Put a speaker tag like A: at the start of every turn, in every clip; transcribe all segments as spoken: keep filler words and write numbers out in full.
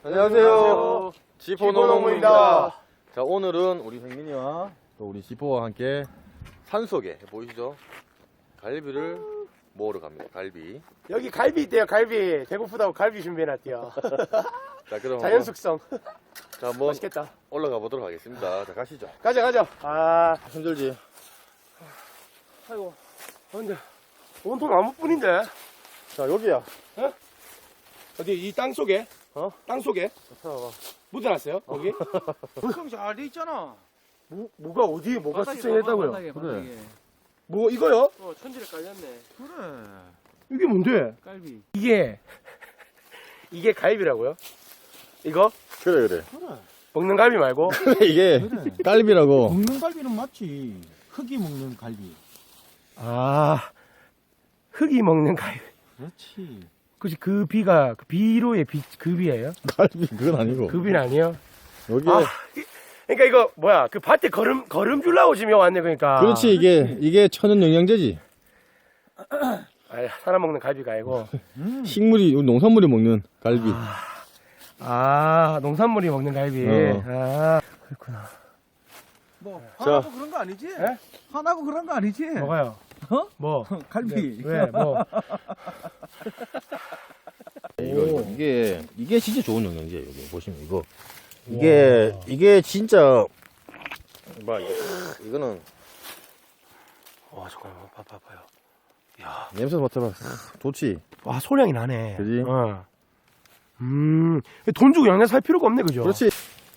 A: 안녕하세요.
B: 지포농부입니다.
A: 자, 오늘은 우리 생민이와 또 우리 지포와 함께 산속에 보이시죠? 갈비를 먹으러 갑니다. 갈비.
B: 여기 갈비 있대요. 갈비. 배고프다고 갈비 준비해놨대요.
A: 자, 그럼
B: 자연 숙성.
A: 자, 한번
B: 맛있겠다.
A: 올라가 보도록 하겠습니다. 자, 가시죠.
B: 가자 가자. 아
A: 힘들지?
B: 아이고. 아, 근데 온통 나무뿐인데.
A: 자, 여기야.
B: 어? 어디 이 땅 속에?
A: 어?
B: 땅 속에?
A: 찾아봐.
B: 묻어놨어요? 여기?
C: 형 잘 돼 있잖아.
B: 뭐, 뭐가 어디에 뭐가
C: 바닥에
B: 숙성했다고요?
C: 바닥에,
A: 그래.
C: 바닥에.
B: 뭐 이거요?
C: 어, 천지를 깔렸네. 그래.
B: 이게 뭔데?
C: 깔비.
B: 이게 이게 갈비라고요? 이거?
A: 그래, 그래.
B: 먹는 갈비 말고?
A: 이게 갈비라고.
D: 먹는 갈비는 맞지. 흙이 먹는 갈비.
B: 아 흙이 먹는 갈비.
D: 그렇지.
B: 그치 그 비가 그 비로의 비, 그 비예요?
A: 갈비, 그건 아니고.
B: 그 비는 아니에요?
A: 여기에.
B: 아, 이- 그러니까 이거 뭐야 그 밭에 걸음 걸음 주려고 지금 여기 왔네 그러니까.
A: 그렇지, 이게, 이게 천연 영양제지.
B: 아, 사람 먹는 갈비가 아니고.
A: 식물이, 농산물이 먹는 갈비.
B: 아 농산물이 먹는 갈비.
A: 어.
B: 아 그렇구나.
D: 뭐
A: 자.
D: 화나고 그런 거 아니지?
B: 에?
D: 화나고 그런 거 아니지?
B: 뭐가요?
D: 어?
B: 뭐?
D: 갈비.
B: 왜? 뭐?
A: 이거, 이게, 이게 진짜 좋은 영양제예요. 여기 보시면 이거. 이게, 이게 진짜, 봐, 이거, 이거는,
B: 와 잠깐만 봐 봐봐요. 야,
A: 냄새 맡아봐. 좋지.
B: 와 소량이 나네.
A: 그지?
B: 어. 음, 돈 주고 양념 살 필요가 없네 그죠?
A: 그렇지.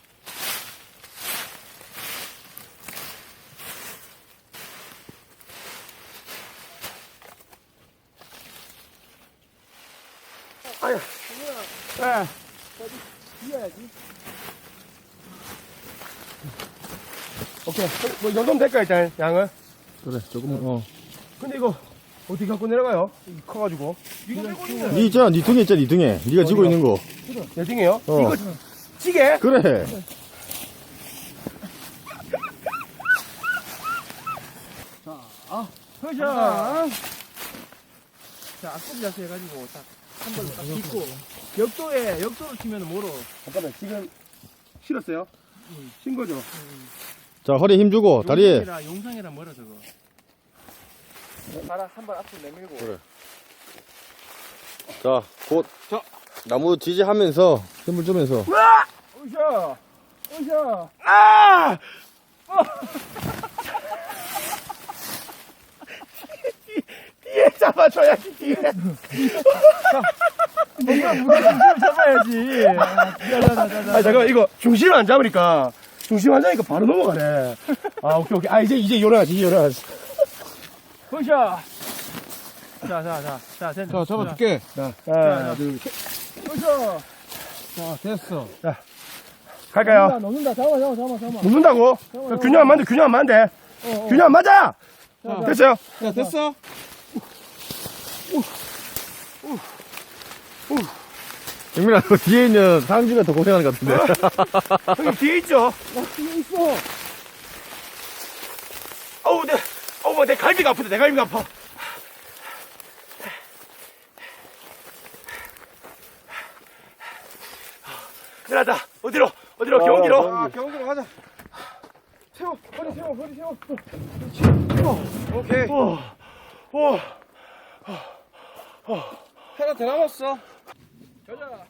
B: 아야. 예.
D: 비워야지.
B: 오케이. 뭐, 이 정도면 될까, 일단, 양을?
A: 그래, 조금만, 어.
B: 근데 이거, 어떻게 갖고 내려가요? 이 커가지고.
D: 이거 빼고 있는
A: 니 있잖아, 니 등에 있잖아, 니 등에. 니가 지고 있는 거.
B: 내 등에요?
A: 어.
B: 이거, 찌개?
A: 그래.
D: 허샤. 자, 앞꿈 자세 해가지고 딱 한 발로 딱 딛고 역도에 역도를 치면 뭐로?
B: 잠깐만, 지금, 실었어요? 신 거죠?
A: 자, 허리에 힘 주고, 다리에.
D: 용상이라 용상이라 뭐라 저거. 발을 한발 앞으로 내밀고.
A: 그래. 자, 곧, 나무 지지하면서, 힘을 주면서.
D: 으쌰. 으쌰.
B: 아! 뒤에 잡아줘야지, 뒤에.
D: 뭔가 무게 중심을 잡아야지.
B: 아, 잠깐만, 이거 중심을 안 잡으니까, 중심 안 잡으니까 바로 넘어가네. 아, 오케이, 오케이. 아, 이제, 이제 일어나지, 이제 일어나지.
D: 으쌰. 자, 자, 자, 자, 됐
C: 자, 잡아줄게.
B: 하나, 둘, 셋.
D: 으쌰.
C: 자, 됐어.
B: 갈까요?
D: 넣는다. 잡아, 잡아, 잡아, 잡아.
B: 묻는다고? 균형 안 맞는데, 균형 안 맞는데. 균형 안 맞아! 됐어요?
C: 야, 됐어?
A: 영민아, 너 뒤에 있는 상주가 더 고생하는 것 같은데.
B: 형님, 뒤에 있죠?
D: 뒤에 있어.
B: 어우, 내, 어우, 내 갈비가 아프다, 내 갈비가 아파. 큰일 났다. 어디로? 어디로? 경기로?
C: 아, 경기로 가자.
D: 세워, 허리 세워, 허리 세워.
C: 오케이.
B: 오, 오.
C: 하나 더 남았어.
D: 가자.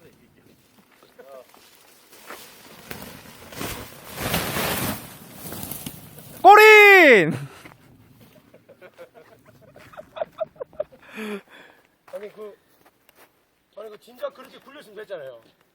C: 꼬린!
B: 아니, 그, 아니, 그, 진짜 그렇게 굴렸으면 됐잖아요.